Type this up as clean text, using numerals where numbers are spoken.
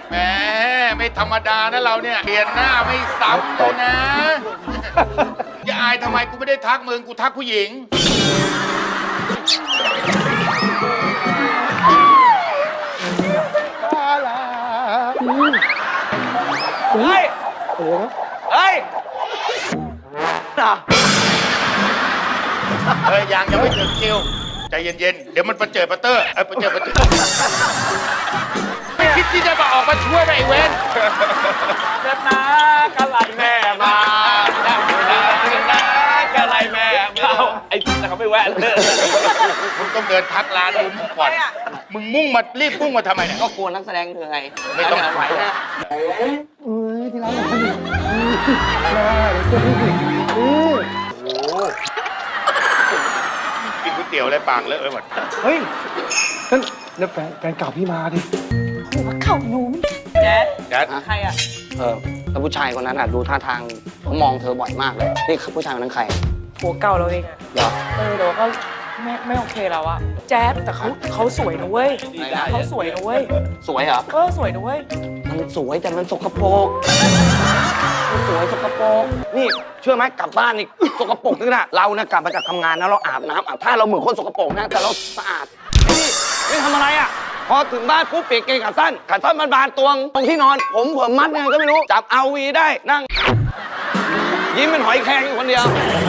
แหมไม่ธรรมดานะเราเนี่ยเปลี่ยนหน้าไม่ซ้ำเลยนะอย่าอายทำไมกูไม่ได้ทักมึงกูทักผู้หญิงเฮ้ยเฮ้ยน่ะเฮ้ยยังไม่ถึงคิวใจเย็นๆเดี๋ยวมันประเจิดประเตอร์ประเจิดไม่คิดที่จะมาออกมาช่วยไหมไอ้เว้นเด็ดนะกะไหลแม่มาเด็ดนะกะไหลแม่มาไอ้แต่เขาไม่แวะเลยมึงต้องเดินทักร้านมึงก่อนมึงมุ่งมารีบมุ่งมาทำไมเนี่ยก็กลัวนักแสดงเธอไงไม่ต้องไหวนะที่ร้านเราดิโอ้กินก๋วยเตี๋ยวอะไรปากเลอะไปหมดเฮ้ยนั่นแล้วแฟนเก่าพี่มาดิหัวเข่าหนูแจ๊ดแจ๊ดใครอ่ะแล้วผู้ชายคนนั้นดูท่าทางเขามองเธอบ่อยมากเลยนี่ผู้ชายคนนั้นใครหัวเก่าเราเองอะเหรอแต่ว่าก็ไม่โอเคแล้วอะแจ๊ดแต่เขาสวยนะเว้ยเขาสวยนะเว้ยสวยเหรอสวยนะเว้ยมันสวยแต่มันสกปรกมันสวยสกปรกนี่เชื่อไหมกลับบ้านนี่สกปรกนึกนะเรานะกลับมาจากทำงานนะเราอาบน้ำอาบท่าเราเหมือนคนสกปรกนะแต่เราสะอาดนี่ทำอะไรอ่ะพอถึงบ้านปุ๊บเปลี่ยนเกงขาสั้นบานๆตรงที่นอนผมมัดยังไงก็ไม่รู้จับเอาวีได้นั่งยิ้มเป็นหอยแครงอยู่คนเดียว